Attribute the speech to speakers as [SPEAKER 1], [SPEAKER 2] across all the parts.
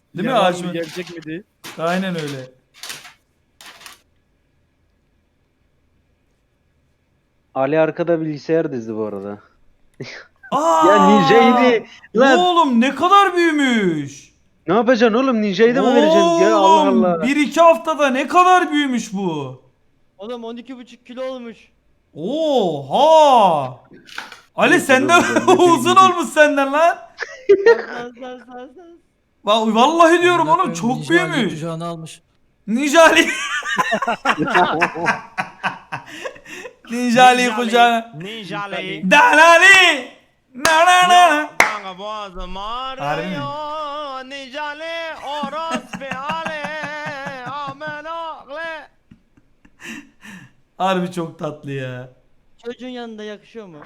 [SPEAKER 1] Değil mi
[SPEAKER 2] Yalan mı,
[SPEAKER 1] Haşmet?
[SPEAKER 2] gerçek mi diye.
[SPEAKER 1] Aynen öyle.
[SPEAKER 3] Ali arkada bilgisayar dizdi bu arada. Ya
[SPEAKER 1] Aa!
[SPEAKER 3] Ninja'ydı. Lan
[SPEAKER 1] Oğlum ne kadar büyümüş.
[SPEAKER 3] ne yapacaksın oğlum? Ninja'yı da mı vereceksin? Ya Allah
[SPEAKER 1] Oğlum
[SPEAKER 3] Allah.
[SPEAKER 1] 1-2 haftada ne kadar büyümüş bu.
[SPEAKER 4] Oğlum 12,5 kilo olmuş.
[SPEAKER 1] Oha! Ali
[SPEAKER 3] Neyse,
[SPEAKER 1] sen de
[SPEAKER 3] dur, dur, dur,
[SPEAKER 1] uzun
[SPEAKER 3] dur.
[SPEAKER 1] olmuş senden lan.
[SPEAKER 4] Saz.
[SPEAKER 1] Vallahi diyorum
[SPEAKER 5] Amına
[SPEAKER 1] oğlum
[SPEAKER 5] koyayım,
[SPEAKER 1] çok
[SPEAKER 5] Ninja Ali
[SPEAKER 1] büyümüş.
[SPEAKER 5] kucağına almış.
[SPEAKER 1] Ninja Ali. Ninja Ali kucağına.
[SPEAKER 6] Ninja Ali.
[SPEAKER 1] Dalali. Na na na.
[SPEAKER 6] Kanka boğazım
[SPEAKER 1] Harbi mi?
[SPEAKER 6] ağrıyor. Ninja Ali. Orospu Ali. Amen aklı.
[SPEAKER 1] Harbi çok tatlı ya.
[SPEAKER 4] Çocuğun yanında yakışıyor mu?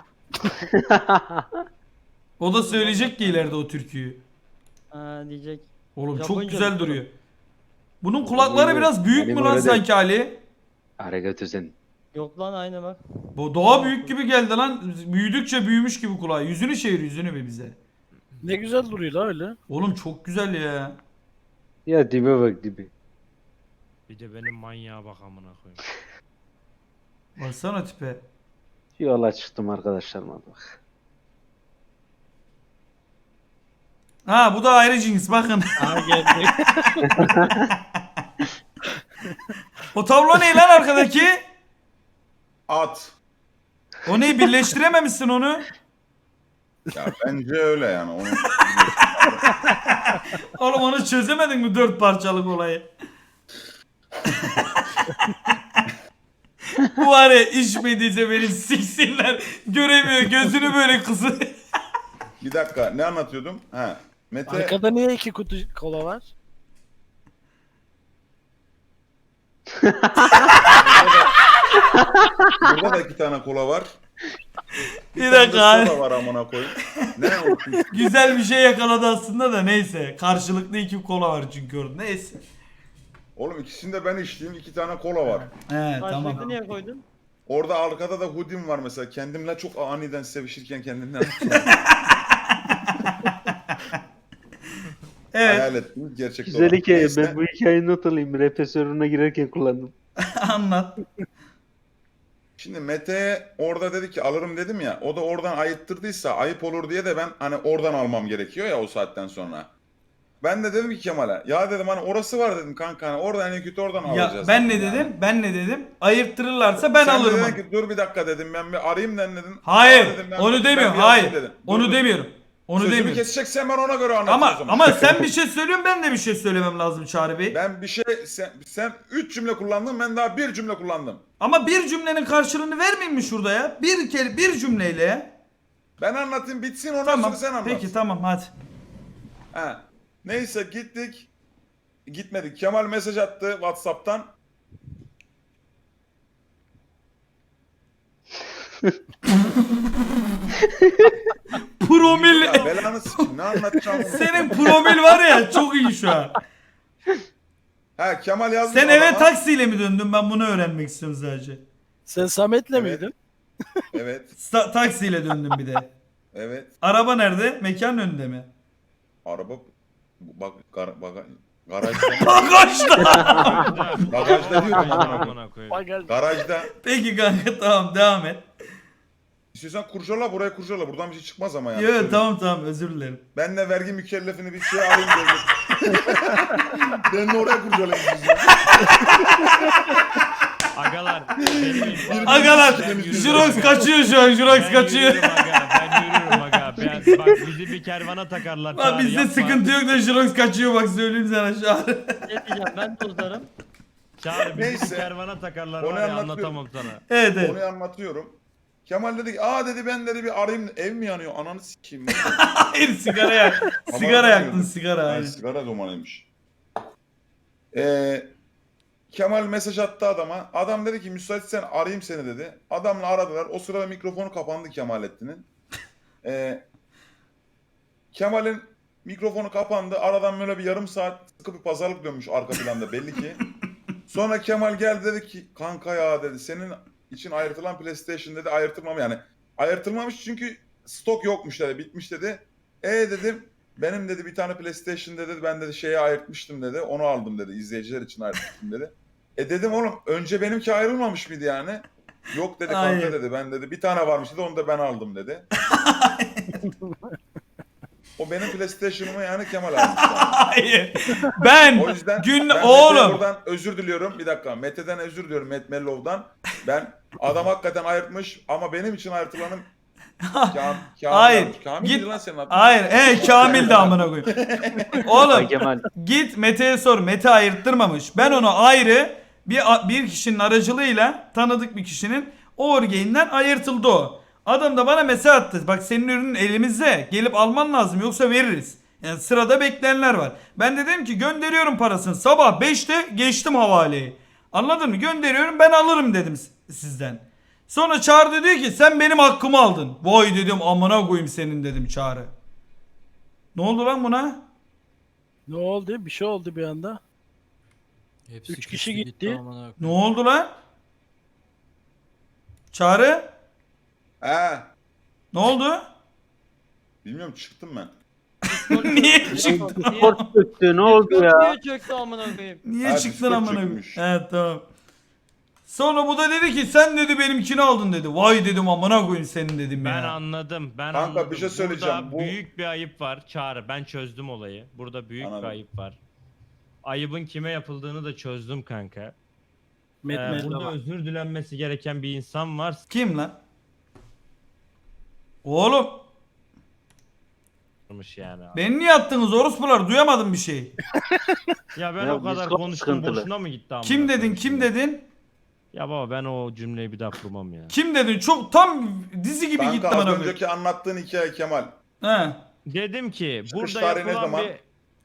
[SPEAKER 1] O da söyleyecek ki ileride o türküyü.
[SPEAKER 4] Diyecek.
[SPEAKER 1] Oğlum çok
[SPEAKER 4] Japonca
[SPEAKER 1] güzel
[SPEAKER 4] biliyorum.
[SPEAKER 1] duruyor. Bunun kulakları biraz büyük mü
[SPEAKER 3] Benim
[SPEAKER 1] lan
[SPEAKER 3] öyle değil.
[SPEAKER 1] sanki Ali?
[SPEAKER 3] Ara götürsün.
[SPEAKER 4] Yok lan aynı bak.
[SPEAKER 1] Bu doğa büyük gibi geldi lan. Büyüdükçe büyümüş gibi kulağı. Yüzünü çevir yüzünü bir bize.
[SPEAKER 2] Ne güzel duruyor la öyle.
[SPEAKER 1] Oğlum çok güzel ya.
[SPEAKER 3] Ya dibe bak dibe.
[SPEAKER 6] Bir de benim manyağa bak amına koyayım.
[SPEAKER 1] Baksana tipe.
[SPEAKER 3] Yola çıktım arkadaşlarıma bak.
[SPEAKER 1] Ha bu da ayrı cins bakın.
[SPEAKER 2] Aha geldi.
[SPEAKER 1] O tablo ne lan arkadaki?
[SPEAKER 7] At.
[SPEAKER 1] O neyi birleştirememişsin onu?
[SPEAKER 7] Ya bence öyle yani. Onu...
[SPEAKER 1] Oğlum onu çözemedin mi 4 parçalık olayı? Bu var ya içmediyse beni siksinler. Göremiyor gözünü böyle kızı.
[SPEAKER 7] Bir dakika ne anlatıyordum? Ha. Mete
[SPEAKER 2] Arkada niye 2 kutu kola var?
[SPEAKER 7] burada da 2 tane kola var.
[SPEAKER 1] Bir dakika
[SPEAKER 7] tane
[SPEAKER 1] abi.
[SPEAKER 7] de soda var amına koyayım. Ne olsun?
[SPEAKER 1] Güzel bir şey yakaladı aslında da neyse. Karşılıklı 2 kola var çünkü orada. Neyse.
[SPEAKER 7] Oğlum ikisinde ben içtiğim 2 tane kola var.
[SPEAKER 1] He
[SPEAKER 4] Karşılıklı
[SPEAKER 1] tamam.
[SPEAKER 4] niye koydun?
[SPEAKER 7] Orada arkada da hudim var mesela. Kendimle çok aniden sevişirken kendimden
[SPEAKER 1] Evet
[SPEAKER 7] hayal ettim. Gerçekten
[SPEAKER 3] Güzel hikaye.
[SPEAKER 7] Neyse.
[SPEAKER 3] Ben bu hikayeyi not alayım. Rap serverına girerken kullandım.
[SPEAKER 1] anlat.
[SPEAKER 7] Şimdi Mete orada dedi ki alırım dedim ya. O da oradan ayıttırdıysa ayıp olur diye de ben hani oradan almam gerekiyor ya o saatten sonra. Ben de dedim ki Kemal'e ya dedim hani orası var dedim kanka hani oradan en kötü oradan
[SPEAKER 1] Ya
[SPEAKER 7] alacağız.
[SPEAKER 1] ben ne
[SPEAKER 7] dedim yani.
[SPEAKER 1] dedim? Ben ne dedim? Ayırttırırlarsa ben
[SPEAKER 7] Sen
[SPEAKER 1] alırım.
[SPEAKER 7] dedin ki dur bir dakika dedim ben bir arayayım den dedin.
[SPEAKER 1] Hayır.
[SPEAKER 7] Aa dedim, ben
[SPEAKER 1] Onu
[SPEAKER 7] bir
[SPEAKER 1] demiyorum.
[SPEAKER 7] yazayım
[SPEAKER 1] Hayır.
[SPEAKER 7] dedim.
[SPEAKER 1] Onu
[SPEAKER 7] Dur,
[SPEAKER 1] demiyorum. Onu
[SPEAKER 7] Sözümü
[SPEAKER 1] demiyorum.
[SPEAKER 7] keseceksen ben ona göre anlatayım o
[SPEAKER 1] Ama
[SPEAKER 7] zaman.
[SPEAKER 1] ama sen bir şey söylüyorsun ben de bir şey söylemem lazım Çağrı Bey.
[SPEAKER 7] Ben bir şey sen 3 cümle kullandın ben daha 1 cümle kullandım.
[SPEAKER 1] Ama bir cümlenin karşılığını vermeyeyim mi şurada ya? Bir kere bir cümleyle ya.
[SPEAKER 7] Ben anlatayım bitsin ondan
[SPEAKER 1] Tamam.
[SPEAKER 7] sonra sen anlat.
[SPEAKER 1] Peki tamam hadi.
[SPEAKER 7] Ha. Neyse gittik. Gitmedik. Kemal mesaj attı WhatsApp'tan.
[SPEAKER 1] Promil.
[SPEAKER 7] Ya belanı sikim ne anlatacağım onu.
[SPEAKER 1] Senin promil var ya çok iyi şu an.
[SPEAKER 7] Ha Kemal yazdı.
[SPEAKER 1] Sen eve
[SPEAKER 7] adama.
[SPEAKER 1] taksiyle mi döndün? Ben bunu öğrenmek istiyorum sadece.
[SPEAKER 2] Sen Samet'le
[SPEAKER 7] Evet.
[SPEAKER 2] miydin?
[SPEAKER 7] Evet.
[SPEAKER 1] Taksiyle döndüm bir de.
[SPEAKER 7] Evet.
[SPEAKER 1] Araba nerede? Mekanın önünde mi?
[SPEAKER 7] Araba bak garajda.
[SPEAKER 1] Bagajda.
[SPEAKER 7] Bagajda diyorum amına koyayım.
[SPEAKER 6] Amına koyayım.
[SPEAKER 2] Bagaj.
[SPEAKER 7] Garajda.
[SPEAKER 1] Peki kanka tamam devam et.
[SPEAKER 7] İstiyorsan kurcala buraya kurcala. Buradan bir şey çıkmaz ama yani.
[SPEAKER 1] Yok tamam özür dilerim.
[SPEAKER 7] Ben de vergi mükellefini bir şey alayım dedim. Ben de oraya kurcalayayım sizi.
[SPEAKER 6] Agalar. benim-
[SPEAKER 1] Agalar
[SPEAKER 6] Ben yürürüm.
[SPEAKER 1] Jirox kaçıyor şu an Jirox
[SPEAKER 6] Ben
[SPEAKER 1] kaçıyor.
[SPEAKER 6] yürürüm aga. Ben yürürüm aga. Bak bizi bir kervana takarlar.
[SPEAKER 1] Lan
[SPEAKER 6] Çağrı,
[SPEAKER 1] bizde
[SPEAKER 6] yapma.
[SPEAKER 1] sıkıntı yok da Jirox kaçıyor bak söyleyeyim sana şu an.
[SPEAKER 4] Ne diyeceğim ben tozlarım.
[SPEAKER 6] Çağrı bizi
[SPEAKER 7] Neyse.
[SPEAKER 6] bir kervana takarlar
[SPEAKER 7] Onu
[SPEAKER 6] var ya
[SPEAKER 7] anlatıyorum.
[SPEAKER 6] anlatamam sana.
[SPEAKER 1] Evet evet.
[SPEAKER 7] Konuyu anlatıyorum. Kemal dedi ki dedi ben dedi bir arayayım ev mi yanıyor ananı sikeyim.
[SPEAKER 1] Hayır sigara yak. Sigara
[SPEAKER 7] Aman
[SPEAKER 1] yaktın
[SPEAKER 7] Allah'ım.
[SPEAKER 1] sigara.
[SPEAKER 7] Yani
[SPEAKER 1] aynen.
[SPEAKER 7] sigara dumanıymış. Kemal mesaj attı adama. Adam dedi ki müsaitsen arayayım seni dedi. Adamla aradılar. O sırada mikrofonu kapandı Kemalettin'in. Kemal'in mikrofonu kapandı. Aradan böyle bir yarım saat sıkı bir pazarlık dönmüş arka planda belli ki. Sonra Kemal geldi dedi ki kanka ya dedi senin için ayırtılan PlayStation dedi ayırtılmam yani. Ayırtılmamış çünkü stok yokmuş dedi bitmiş dedi. Dedim benim dedi bir tane PlayStation dedi ben dedi şeye ayırtmıştım dedi. Onu aldım dedi. İzleyiciler için ayırtmıştım dedi. Dedim oğlum önce benimki ayrılmamış mıydı yani? Yok dedi kanka
[SPEAKER 1] Hayır.
[SPEAKER 7] dedi. Ben dedi bir tane varmış dedi onu da ben aldım dedi. O benim PlayStation'ımı yani Kemal almış.
[SPEAKER 1] Hayır. Ben
[SPEAKER 7] O yüzden
[SPEAKER 1] gün
[SPEAKER 7] ben
[SPEAKER 1] oğlum.
[SPEAKER 7] Mete'ye buradan özür diliyorum. Bir dakika. Mete'den özür diliyorum. Matt Mellow'dan. Ben adam hakikaten ayırtmış ama benim için ayırtılanın Kamil.
[SPEAKER 1] Hayır.
[SPEAKER 7] Kamil
[SPEAKER 1] Git.
[SPEAKER 7] miydi lan senin adın?
[SPEAKER 1] Hayır. Kamil de amına koyayım.
[SPEAKER 3] Ay
[SPEAKER 1] Oğlum
[SPEAKER 3] Kemal.
[SPEAKER 1] git Mete'ye sor. Mete ayırttırmamış. Ben onu ayrı bir kişinin aracılığıyla tanıdık bir kişinin Orgain'den ayırtıldı o. Adam da bana mesaj attı. Bak senin ürünün elimizde. Gelip alman lazım yoksa veririz. Yani sırada bekleyenler var. Ben de dedim ki gönderiyorum parasını. Sabah 5'te geçtim havaleyi. Anladın mı? Gönderiyorum ben alırım dedim sizden. Sonra Çağrı diyor ki sen benim hakkımı aldın. Vay dedim amına koyayım senin dedim Çağrı. Ne oldu lan buna?
[SPEAKER 2] Ne oldu? Bir şey oldu bir anda.
[SPEAKER 5] Hepsi
[SPEAKER 2] 3 kişi
[SPEAKER 5] kişi
[SPEAKER 2] gitti.
[SPEAKER 5] amına koyayım.
[SPEAKER 1] Ne oldu lan? Çağrı?
[SPEAKER 7] He.
[SPEAKER 1] Ne oldu?
[SPEAKER 7] Bilmiyorum çıktım ben.
[SPEAKER 1] Niye çıktın?
[SPEAKER 3] Kort çöktü ne oldu ya?
[SPEAKER 4] Niye çöktü amına koyayım?
[SPEAKER 1] Niye
[SPEAKER 7] Ha,
[SPEAKER 1] çıktın
[SPEAKER 7] Discord
[SPEAKER 1] amına koyayım?
[SPEAKER 7] çökmüş.
[SPEAKER 1] Evet tamam. Sonra bu da dedi ki sen dedi benimkini aldın dedi. Vay dedim amına koyayım senin dedim
[SPEAKER 6] Ben
[SPEAKER 1] ya.
[SPEAKER 6] anladım. Ben
[SPEAKER 7] Kanka,
[SPEAKER 6] anladım.
[SPEAKER 7] bir şey söyleyeceğim.
[SPEAKER 6] Burada
[SPEAKER 7] Bu-
[SPEAKER 6] büyük bir ayıp var. Çağrı ben çözdüm olayı. Burada büyük
[SPEAKER 7] Anladım.
[SPEAKER 6] bir ayıp var. Ayıbın kime yapıldığını da çözdüm kanka.
[SPEAKER 2] Met
[SPEAKER 6] Burada özür dilenmesi gereken bir insan var.
[SPEAKER 1] Kim lan? Oğlum
[SPEAKER 6] Yani.
[SPEAKER 1] beni niye attınız orospular duyamadım bir şey.
[SPEAKER 6] Ya ben
[SPEAKER 3] Ya
[SPEAKER 6] o kadar
[SPEAKER 3] Discord
[SPEAKER 6] konuştum
[SPEAKER 3] sıkıntılı.
[SPEAKER 6] boşuna mı gitti amına
[SPEAKER 1] Kim dedin
[SPEAKER 6] koyayım
[SPEAKER 1] kim
[SPEAKER 6] şimdi?
[SPEAKER 1] dedin?
[SPEAKER 6] Ya baba ben o cümleyi bir daha kurmam ya.
[SPEAKER 1] Kim dedin? Çok tam dizi gibi gitti
[SPEAKER 7] Kanka
[SPEAKER 1] bana
[SPEAKER 7] az
[SPEAKER 1] koyayım.
[SPEAKER 7] önceki anlattığın hikaye Kemal.
[SPEAKER 1] He.
[SPEAKER 6] Dedim ki
[SPEAKER 7] Çıkış
[SPEAKER 6] burada
[SPEAKER 7] tarihi ne
[SPEAKER 6] yapılan
[SPEAKER 7] zaman?
[SPEAKER 6] bir...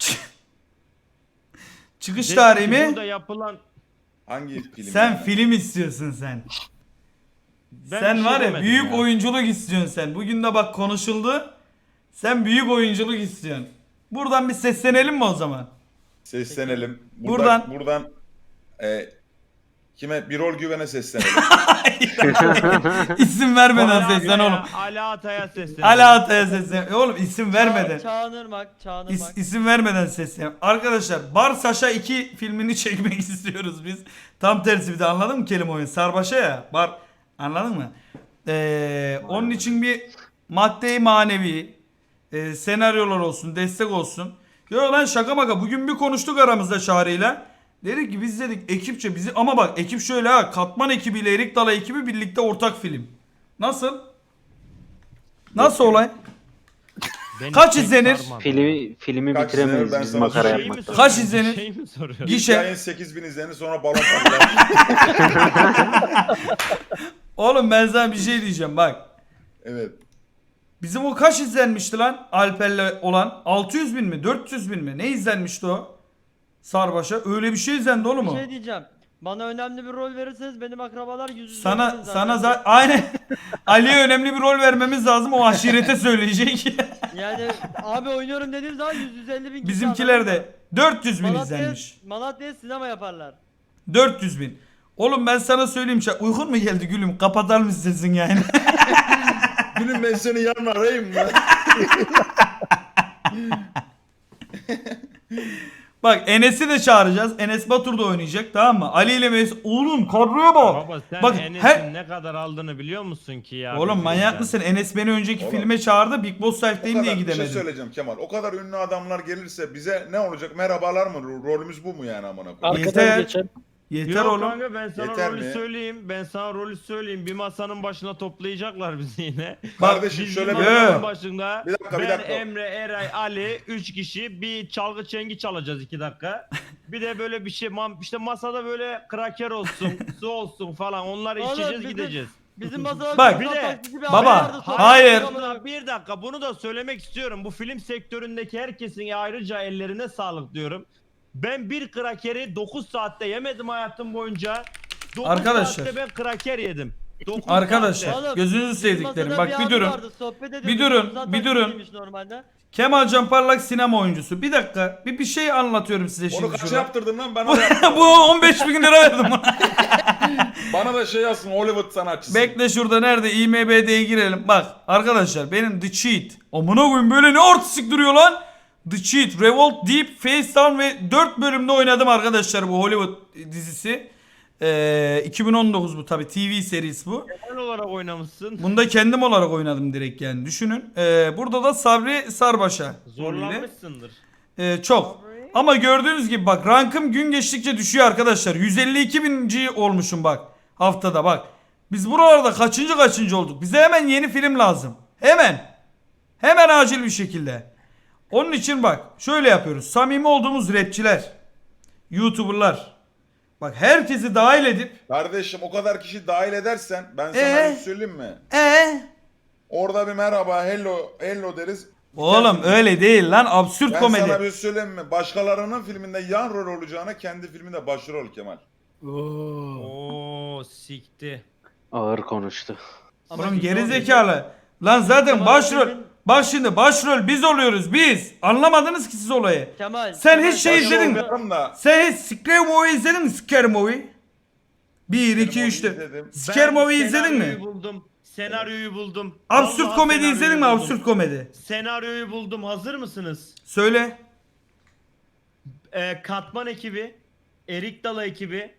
[SPEAKER 1] Çıkış
[SPEAKER 6] Dedim
[SPEAKER 1] tarihi
[SPEAKER 6] ki
[SPEAKER 1] mi?
[SPEAKER 6] Burada yapılan...
[SPEAKER 7] Hangi film?
[SPEAKER 1] Sen
[SPEAKER 7] yani?
[SPEAKER 1] film istiyorsun sen.
[SPEAKER 6] Ben
[SPEAKER 1] Sen
[SPEAKER 6] bir şey
[SPEAKER 1] var ya
[SPEAKER 6] demedim
[SPEAKER 1] büyük
[SPEAKER 6] ya.
[SPEAKER 1] oyunculuk istiyorsun sen. Bugün de bak konuşuldu. Sen büyük oyunculuk istiyorsun. Buradan bir seslenelim mi o zaman?
[SPEAKER 7] Seslenelim.
[SPEAKER 1] Buradan-
[SPEAKER 7] Kime? Birol Güven'e seslenelim.
[SPEAKER 1] İsim vermeden
[SPEAKER 6] Ali
[SPEAKER 1] seslen
[SPEAKER 6] Atay'a-
[SPEAKER 1] oğlum.
[SPEAKER 6] Ali Atay'a seslen.
[SPEAKER 1] Ali Atay'a seslen. Oğlum isim vermeden.
[SPEAKER 4] Çağınırmak.
[SPEAKER 1] İsim vermeden seslen. Arkadaşlar Bar Saşa 2 filmini çekmek istiyoruz biz. Tam tersi bir de anladın mı kelime oyunu? Sarbaşa ya. Bar anladın mı? Onun için bir maddi manevi senaryolar olsun, destek olsun. Yok lan şaka maka. Bugün bir konuştuk aramızda Çağrı'yla. Dedik ki biz dedik ekipçe bizi ama bak ekip şöyle ha Katman ekibiyle Erik Dala ekibi birlikte ortak film. Nasıl? Nasıl olay?
[SPEAKER 6] Beni
[SPEAKER 1] Kaç
[SPEAKER 6] çek
[SPEAKER 1] izlenir?
[SPEAKER 6] sarmadı.
[SPEAKER 3] Filmi
[SPEAKER 7] Kaç
[SPEAKER 3] bitiremeyiz
[SPEAKER 7] izlenir? Ben
[SPEAKER 3] biz
[SPEAKER 7] sana
[SPEAKER 3] makara
[SPEAKER 7] söyleyeyim.
[SPEAKER 6] Şey mi
[SPEAKER 3] yapmaktan.
[SPEAKER 1] Kaç
[SPEAKER 6] soruyorsun?
[SPEAKER 1] izlenir?
[SPEAKER 6] Şey mi soruyorsun?
[SPEAKER 1] Gişe.
[SPEAKER 7] Hikayenin 8000 izlenir sonra balon patlar.
[SPEAKER 1] Oğlum ben sana bir şey diyeceğim bak.
[SPEAKER 7] Evet.
[SPEAKER 1] Bizim o kaç izlenmişti lan Alper'le olan? 600 bin mi? 400 bin mi? Ne izlenmişti o? Sarbaşa. Öyle bir şey izlendi oğlum
[SPEAKER 4] Bir
[SPEAKER 1] o.
[SPEAKER 4] şey diyeceğim. Bana önemli bir rol verirseniz benim akrabalar yüz
[SPEAKER 1] Sana aynen Ali'ye önemli bir rol vermemiz lazım. O aşirete söyleyecek.
[SPEAKER 4] Yani abi oynuyorum dediğim zaman 150 bin kişi
[SPEAKER 1] Bizimkiler
[SPEAKER 4] anladın mı?
[SPEAKER 1] de 400 bin izlenmiş.
[SPEAKER 4] Malatya'ya sinema yaparlar.
[SPEAKER 1] 400 bin. Oğlum ben sana söyleyeyim. Uykun mu geldi gülüm? Kapatar mısın sesin yani?
[SPEAKER 7] Gülüm ben seni yarın arayayım mı?
[SPEAKER 1] Bak Enes'i de çağıracağız. Enes Batur da oynayacak tamam mı? Ali ile Mesut. Oğlum kadroya bak.
[SPEAKER 6] Baba sen
[SPEAKER 1] Bak,
[SPEAKER 6] Enes'in ne kadar aldığını biliyor musun ki ya?
[SPEAKER 1] Oğlum
[SPEAKER 6] bizim
[SPEAKER 1] manyak
[SPEAKER 6] yüzden?
[SPEAKER 1] mısın? Enes beni önceki
[SPEAKER 7] Oğlum.
[SPEAKER 1] filme çağırdı. Big Boss Life'deyim diye
[SPEAKER 7] Bir şey
[SPEAKER 1] gidemedim.
[SPEAKER 7] söyleyeceğim Kemal. O kadar ünlü adamlar gelirse bize ne olacak? Merhabalar mı? Rolümüz bu mu yani amına koyayım?
[SPEAKER 1] Yeter.
[SPEAKER 2] Arkadan geçen.
[SPEAKER 1] Yeter
[SPEAKER 6] Yok
[SPEAKER 1] oğlum.
[SPEAKER 6] kanka ben sana
[SPEAKER 7] Yeter
[SPEAKER 6] rolü
[SPEAKER 7] mi?
[SPEAKER 6] söyleyeyim. Ben sana rolü söyleyeyim. Bir masanın başına toplayacaklar bizi yine.
[SPEAKER 7] Kardeşim
[SPEAKER 6] Biz
[SPEAKER 7] şöyle
[SPEAKER 6] bir
[SPEAKER 7] bir...
[SPEAKER 1] Yo.
[SPEAKER 6] masanın başında
[SPEAKER 7] Bir dakika, bir
[SPEAKER 6] ben,
[SPEAKER 7] dakika.
[SPEAKER 6] Emre, Eray, Ali 3 kişi bir çalgı çengi çalacağız 2 dakika. Bir de böyle bir şey işte masada böyle kraker olsun, su olsun falan onları
[SPEAKER 4] Oğlum,
[SPEAKER 6] içeceğiz
[SPEAKER 4] bizim-
[SPEAKER 6] gideceğiz.
[SPEAKER 4] Bizim masada
[SPEAKER 1] Bak,
[SPEAKER 4] bir
[SPEAKER 6] bir de-
[SPEAKER 4] taksici bir
[SPEAKER 1] baba,
[SPEAKER 4] abi vardı, sonra
[SPEAKER 1] hayır.
[SPEAKER 6] Bir dakika bunu da söylemek istiyorum. Bu film sektöründeki herkesin ayrıca ellerine sağlık diyorum. Ben bir krakeri 9 saatte yemedim hayatım boyunca. 9
[SPEAKER 1] Arkadaşlar.
[SPEAKER 6] saatte ben kraker yedim. 9
[SPEAKER 1] Arkadaşlar
[SPEAKER 6] saatte.
[SPEAKER 4] Oğlum,
[SPEAKER 1] gözünüzü
[SPEAKER 4] Bizim
[SPEAKER 1] sevdiklerim.
[SPEAKER 4] masada
[SPEAKER 1] Bak bir
[SPEAKER 4] abi
[SPEAKER 1] durun.
[SPEAKER 4] vardı, sohbet ediyorduk.
[SPEAKER 1] Bir durun,
[SPEAKER 4] Zaten
[SPEAKER 1] bir durun.
[SPEAKER 4] taksiciymiş Normalde.
[SPEAKER 1] Kemal Can Parlak sinema oyuncusu. Bir dakika. Bir şey anlatıyorum size
[SPEAKER 7] Onu
[SPEAKER 1] şimdi
[SPEAKER 7] kaça
[SPEAKER 1] şurada.
[SPEAKER 7] yaptırdın lan? Bana da, yap.
[SPEAKER 1] Bu 15 bin lira verdim buna.
[SPEAKER 7] Bana da şey yazsın Hollywood sanatçısı.
[SPEAKER 1] Bekle şurada nerede? IMBD'ye girelim. Bak arkadaşlar benim The Cheat. Amına koyayım böyle ne artistik duruyor lan. The Cheat, Revolt, Deep, Face Down ve 4 bölümde oynadım arkadaşlar bu Hollywood dizisi. 2019 bu tabi, TV serisi bu.
[SPEAKER 6] Genel olarak oynamışsın.
[SPEAKER 1] Bunda kendim olarak oynadım direkt yani, düşünün. Burada da Sabri Sarbaş'a rolüyle.
[SPEAKER 6] Zorlanmışsındır.
[SPEAKER 1] Çok. Ama gördüğünüz gibi bak, rankım gün geçtikçe düşüyor arkadaşlar. 152 binci olmuşum bak haftada bak. Biz buralarda kaçıncı olduk. Bize hemen yeni film lazım. Hemen. Hemen acil bir şekilde. Onun için bak şöyle yapıyoruz. Samimi olduğumuz rapçiler, YouTuber'lar. Bak herkesi dahil edip.
[SPEAKER 7] Kardeşim o kadar kişi dahil edersen ben sana bir şey söyleyeyim mi? Orada bir merhaba, hello deriz.
[SPEAKER 1] Oğlum öyle değil lan, absürt
[SPEAKER 7] Ben
[SPEAKER 1] komedi.
[SPEAKER 7] sana bir şey söyleyeyim mi? Başkalarının filminde yan rol olacağına kendi filminde başrol Kemal.
[SPEAKER 2] Oo.
[SPEAKER 6] Oo sikti.
[SPEAKER 3] Ağır konuştu.
[SPEAKER 4] Ama
[SPEAKER 1] Oğlum
[SPEAKER 4] şimdi
[SPEAKER 1] gerizekalı. Lan zaten
[SPEAKER 4] Kemal
[SPEAKER 1] başrol.
[SPEAKER 4] Bey'in-
[SPEAKER 1] Bak şimdi başrol biz oluyoruz biz. Anlamadınız ki siz olayı.
[SPEAKER 4] Kemal.
[SPEAKER 1] Sen
[SPEAKER 4] Kemal,
[SPEAKER 1] hiç şey
[SPEAKER 7] Başrol
[SPEAKER 1] izledin mi?
[SPEAKER 7] yaparım da
[SPEAKER 1] Sen hiç Scare Movie izledin mi? Scare Movie. 1, 2, 3, 4.
[SPEAKER 7] izledim.
[SPEAKER 1] Scare Movie izledin
[SPEAKER 6] senaryoyu
[SPEAKER 1] mi?
[SPEAKER 6] buldum. Senaryoyu buldum.
[SPEAKER 1] Absürt
[SPEAKER 6] Vallahi
[SPEAKER 1] komedi
[SPEAKER 6] senaryoyu
[SPEAKER 1] izledin mi?
[SPEAKER 6] buldum.
[SPEAKER 1] Absürt komedi.
[SPEAKER 6] Senaryoyu buldum. Hazır mısınız?
[SPEAKER 1] Söyle.
[SPEAKER 6] Katman ekibi, Erik Dala ekibi,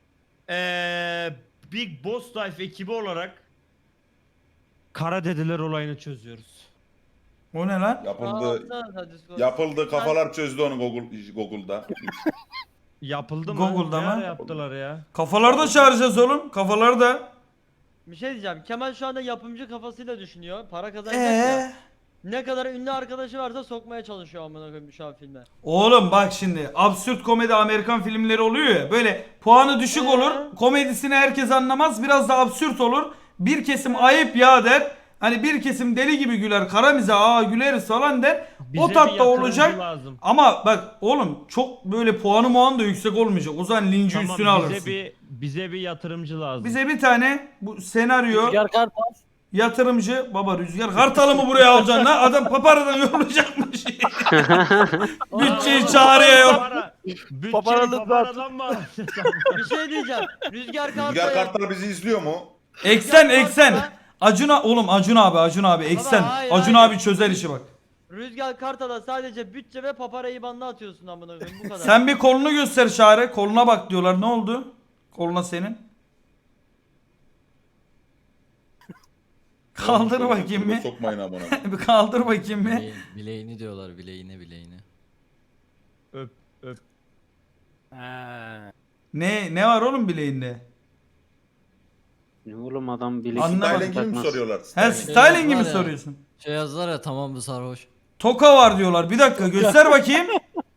[SPEAKER 6] Big Boss Life ekibi olarak Kara Dedeler olayını çözüyoruz.
[SPEAKER 1] O ne lan?
[SPEAKER 7] Yapıldı, kafalar çözdü onu Google'da.
[SPEAKER 6] Yapıldı mı?
[SPEAKER 1] Google'da
[SPEAKER 6] Ne
[SPEAKER 1] mı?
[SPEAKER 6] ara yaptılar ya?
[SPEAKER 1] Kafalarda çağıracağız oğlum. Kafalarda.
[SPEAKER 4] Bir şey diyeceğim. Kemal şu anda yapımcı kafasıyla düşünüyor. Para kazanacak ya. Ne kadar ünlü arkadaşı varsa sokmaya çalışıyor amına koyayım şu an filme.
[SPEAKER 1] Oğlum bak şimdi absürt komedi Amerikan filmleri oluyor ya, böyle puanı düşük olur, komedisini herkes anlamaz, biraz da absürt olur, bir kesim ayıp ya der, hani bir kesim deli gibi güler, kara mizah güleriz falan der,
[SPEAKER 6] Bize
[SPEAKER 1] o
[SPEAKER 6] bir
[SPEAKER 1] tatta
[SPEAKER 6] yatırımcı
[SPEAKER 1] olacak.
[SPEAKER 6] lazım.
[SPEAKER 1] Ama bak oğlum çok böyle puanı da yüksek olmayacak, o zaman linci
[SPEAKER 6] Tamam,
[SPEAKER 1] üstüne alırsın.
[SPEAKER 6] bize bir yatırımcı lazım.
[SPEAKER 1] Bize bir tane bu senaryo
[SPEAKER 2] Rüzgar Kartal.
[SPEAKER 1] yatırımcı, baba Rüzgar Kartal'ı mı buraya alacaksın lan? Adam paparadan yollayacakmış. Bütçeyi çağırıyor yok.
[SPEAKER 6] Bütçeyi
[SPEAKER 2] Paparalı
[SPEAKER 6] paparadan mı alacağız?
[SPEAKER 4] Bir şey diyeceğim. Rüzgar Kartal.
[SPEAKER 7] Rüzgar Kartal bizi izliyor mu?
[SPEAKER 1] Eksen. Acun abi eksen.
[SPEAKER 4] hayır,
[SPEAKER 1] Acun
[SPEAKER 4] hayır.
[SPEAKER 1] abi çözer işi bak.
[SPEAKER 4] Rüzgar Kartal'a sadece bütçe ve papara IBAN'ını atıyorsun amına koyayım bu kadar.
[SPEAKER 1] Sen bir kolunu göster Çağrı. Koluna bak diyorlar. Ne oldu? Koluna senin. Kaldır bakayım bir.
[SPEAKER 7] Sokmayın amına.
[SPEAKER 1] Bir kaldır bakayım bir.
[SPEAKER 5] Bileğini diyorlar, bileğini.
[SPEAKER 6] Öp öp.
[SPEAKER 2] Ha.
[SPEAKER 1] Ne var oğlum bileğinde?
[SPEAKER 3] Ne oğlum adam bilek
[SPEAKER 1] Anlamadım.
[SPEAKER 7] Styling gibi mi soruyorlar?
[SPEAKER 1] He
[SPEAKER 7] Styling.
[SPEAKER 1] styling gibi
[SPEAKER 5] var ya.
[SPEAKER 1] soruyorsun.
[SPEAKER 5] Şey yazdılar ya, tamam bu sarhoş.
[SPEAKER 1] Toka var diyorlar. Bir dakika göster bakayım.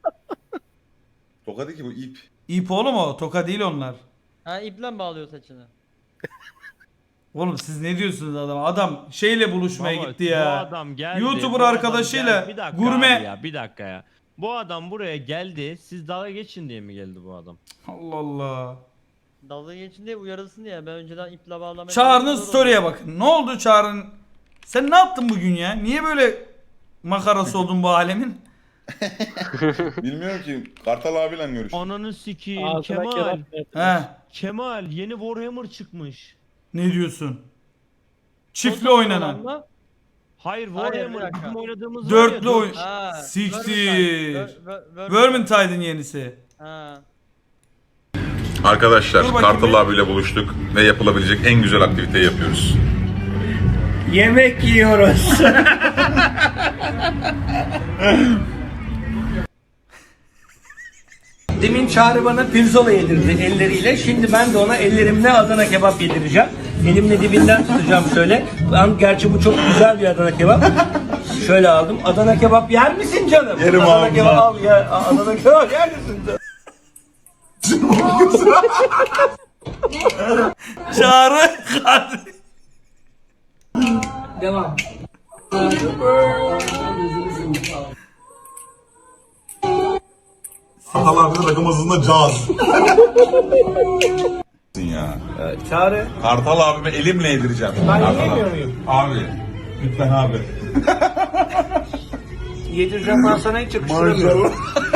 [SPEAKER 7] Toka değil ki bu ip.
[SPEAKER 1] İp oğlum o. Toka değil onlar.
[SPEAKER 4] Ha iple mi bağlıyor saçını?
[SPEAKER 1] Oğlum siz ne diyorsunuz adama? Adam şeyle buluşmaya
[SPEAKER 6] Baba,
[SPEAKER 1] gitti ya.
[SPEAKER 6] Bu adam geldi.
[SPEAKER 1] YouTuber
[SPEAKER 6] bu adam
[SPEAKER 1] arkadaşıyla
[SPEAKER 6] geldi. Bir dakika
[SPEAKER 1] gurme-
[SPEAKER 6] abi ya, bir dakika ya. Bu adam buraya geldi. Siz dalga geçin diye mi geldi bu adam?
[SPEAKER 1] Allah Allah.
[SPEAKER 4] Dalga geçin diye uyarılsın diye ben önceden iple bağlamaya
[SPEAKER 1] Çağrı'nın
[SPEAKER 4] çalışıyorum.
[SPEAKER 1] story'e bakın. Ne oldu Çağrı'nın? Sen ne yaptın bugün ya? Niye böyle makarası oldun bu alemin?
[SPEAKER 7] Bilmiyorum ki. Kartal abiyle görüştüm.
[SPEAKER 6] Ananı sikeyim
[SPEAKER 2] Ağzına
[SPEAKER 6] Kemal.
[SPEAKER 2] kelam.
[SPEAKER 1] He.
[SPEAKER 6] Kemal yeni Warhammer çıkmış.
[SPEAKER 1] Ne diyorsun? Çiftli
[SPEAKER 4] Nasıl
[SPEAKER 1] oynanan.
[SPEAKER 4] olan mı?
[SPEAKER 6] Hayır
[SPEAKER 4] bir
[SPEAKER 6] Warhammer
[SPEAKER 4] dakika.
[SPEAKER 6] bizim oynadığımız
[SPEAKER 1] Dörtlü
[SPEAKER 6] var ya,
[SPEAKER 1] oyun.
[SPEAKER 4] Ha.
[SPEAKER 1] Siktir.
[SPEAKER 4] Vermintide.
[SPEAKER 1] Vermintide'ın yenisi.
[SPEAKER 4] Ha.
[SPEAKER 7] Arkadaşlar
[SPEAKER 1] Dur bakayım
[SPEAKER 7] Kartal
[SPEAKER 1] bir.
[SPEAKER 7] abiyle buluştuk ve yapılabilecek en güzel aktiviteyi yapıyoruz.
[SPEAKER 8] Yemek yiyoruz. Demin Çağrı bana pirzola yedirdi elleriyle. Şimdi ben de ona ellerimle Adana kebap yedireceğim. Elimle dibinden tutacağım şöyle. Ben, gerçi bu çok güzel bir Adana kebap. Şöyle aldım. Adana kebap yer misin canım?
[SPEAKER 7] Yerim
[SPEAKER 8] Adana
[SPEAKER 7] abi,
[SPEAKER 8] kebap
[SPEAKER 7] ya.
[SPEAKER 8] al ya. Adana kebap yer misin canım?
[SPEAKER 1] Çağrı.
[SPEAKER 8] Devam.
[SPEAKER 7] Kartal abinin rakım hızında caz. ya.
[SPEAKER 8] Çağrı.
[SPEAKER 7] Kartal abime elimle yedireceğim.
[SPEAKER 8] Ben yiyemiyor muyum?
[SPEAKER 7] Abi. Lütfen abi.
[SPEAKER 8] Yedireceğim ben sana hiç yakıştıramıyorum.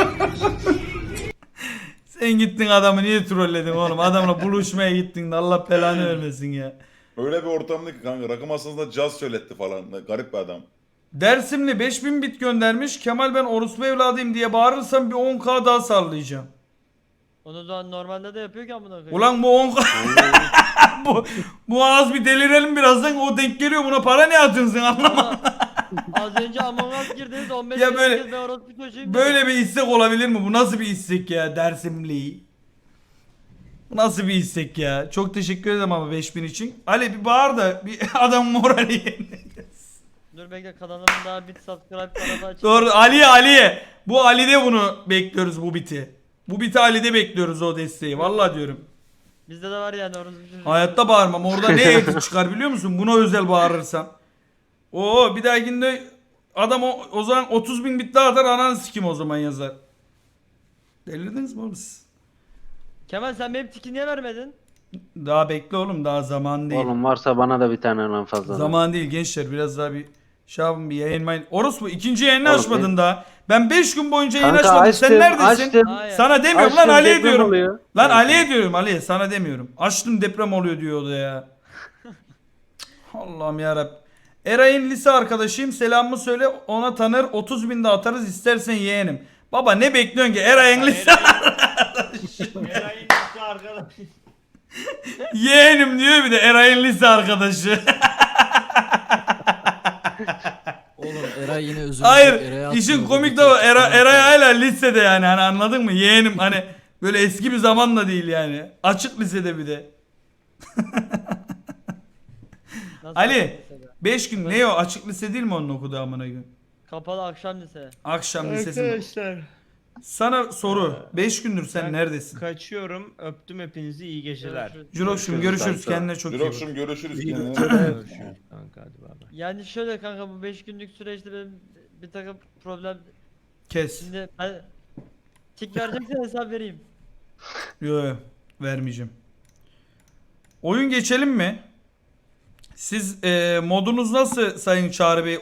[SPEAKER 1] Sen gittin adamı niye trolledin oğlum? Adamla buluşmaya gittin de Allah belanı vermesin ya.
[SPEAKER 7] Öyle bir ortamda ki kanka rakım aslında caz söyletti falan. Garip bir adam.
[SPEAKER 1] Dersimli 5000 bit göndermiş. Kemal ben orospu evladıyım diye bağırırsam bir 10k daha sallayacağım.
[SPEAKER 4] Onu da normalde de yapıyor ki amına koyayım.
[SPEAKER 1] Ulan bu 10k bu az bir delirelim birazdan, o denk geliyor, buna para ne atıyorsun sen anlamadım.
[SPEAKER 4] Ama az önce Among Us girdiniz 15
[SPEAKER 1] Ya
[SPEAKER 4] kez
[SPEAKER 1] böyle-
[SPEAKER 4] herkes ben orospu çocuğuyum
[SPEAKER 1] Böyle
[SPEAKER 4] dedi.
[SPEAKER 1] bir istek olabilir mi? Bu nasıl bir istek ya, Dersimli? Bu nasıl bir istek ya? Çok teşekkür ederim ama 5000 için. Ali bir bağır da bir adam morali yerine.
[SPEAKER 4] Dur bekle, kanalımın daha bit subscribe kanalı açık.
[SPEAKER 1] Doğru, Ali'ye. Bu Ali'de bunu bekliyoruz, bu biti. Bu biti Ali'de bekliyoruz, o desteği. Vallahi diyorum.
[SPEAKER 4] Bizde de var yani orospu çocuğu.
[SPEAKER 1] Hayatta bağırmam. Orada ne edit çıkar biliyor musun? Buna özel bağırırsam. Oo, bir dahakinde adam o zaman 30.000 bit daha atar, ananı sikim o zaman yazar. Delirdiniz mi oğlum siz?
[SPEAKER 4] Kemal sen benim tiki niye vermedin?
[SPEAKER 1] Daha bekle oğlum, daha zaman değil.
[SPEAKER 3] Oğlum varsa bana da bir tane lan fazla.
[SPEAKER 1] Zaman değil gençler, biraz daha bir şey yapın, bir yayın mayın. Orospu ikinci yayını
[SPEAKER 3] Oğlum,
[SPEAKER 1] açmadın daha. Ben 5 gün boyunca yayın
[SPEAKER 3] Kanka
[SPEAKER 1] açmadım. Sen
[SPEAKER 3] açtım,
[SPEAKER 1] neredesin?
[SPEAKER 3] açtım.
[SPEAKER 4] Hayır.
[SPEAKER 1] Sana demiyorum lan,
[SPEAKER 3] Açtım,
[SPEAKER 1] Ali'ye
[SPEAKER 3] deprem
[SPEAKER 1] diyorum.
[SPEAKER 3] oluyor.
[SPEAKER 1] Lan
[SPEAKER 3] Evet.
[SPEAKER 1] Ali'ye diyorum, Ali'ye sana demiyorum. Açtım, deprem oluyor diyor o da ya. Allah'ım yarabbim. Eray'ın lise arkadaşıyım, selamımı söyle ona, tanır 30.000 de atarız istersen yeğenim. Baba ne bekliyorsun ki Eray'ın lise
[SPEAKER 6] Eray'ın lise arkadaş.
[SPEAKER 1] yeğenim diyor, bir de Eray'ın lise arkadaşı.
[SPEAKER 5] Oğlum Eray yine özür
[SPEAKER 1] Hayır,
[SPEAKER 5] Eray'a
[SPEAKER 1] işin
[SPEAKER 5] atmıyor,
[SPEAKER 1] komik
[SPEAKER 5] bu
[SPEAKER 1] de o,
[SPEAKER 5] tek-
[SPEAKER 1] Eray hala lisede yani, hani anladın mı? Yeğenim, hani böyle eski bir zaman da değil yani. Açık lisede bir de.
[SPEAKER 4] Nasıl
[SPEAKER 1] Ali
[SPEAKER 4] lisede?
[SPEAKER 1] 5 gün ne o, açık lise değil mi onun okuduğu amına gün?
[SPEAKER 4] Kapalı akşam lise.
[SPEAKER 1] Akşam lisesi.
[SPEAKER 6] Arkadaşlar.
[SPEAKER 1] Sana soru. 5 gündür sen
[SPEAKER 6] Ben
[SPEAKER 1] neredesin?
[SPEAKER 6] Kaçıyorum. Öptüm hepinizi. İyi geceler.
[SPEAKER 4] Görüşürüz.
[SPEAKER 1] Jurokşum görüşürüz, kendine çok iyi bak.
[SPEAKER 7] Jirokşum görüşürüz. Kendine.
[SPEAKER 6] Görüşürüz kanka, hadi bay bay.
[SPEAKER 4] Yani şöyle kanka, bu 5 günlük süreçte benim bir takım problem.
[SPEAKER 1] Kes.
[SPEAKER 4] Şimdi ben tik vereceksen hesap vereyim.
[SPEAKER 1] Yo, vermeyeceğim. Oyun geçelim mi? Siz modunuz nasıl Sayın Çağrı Bey?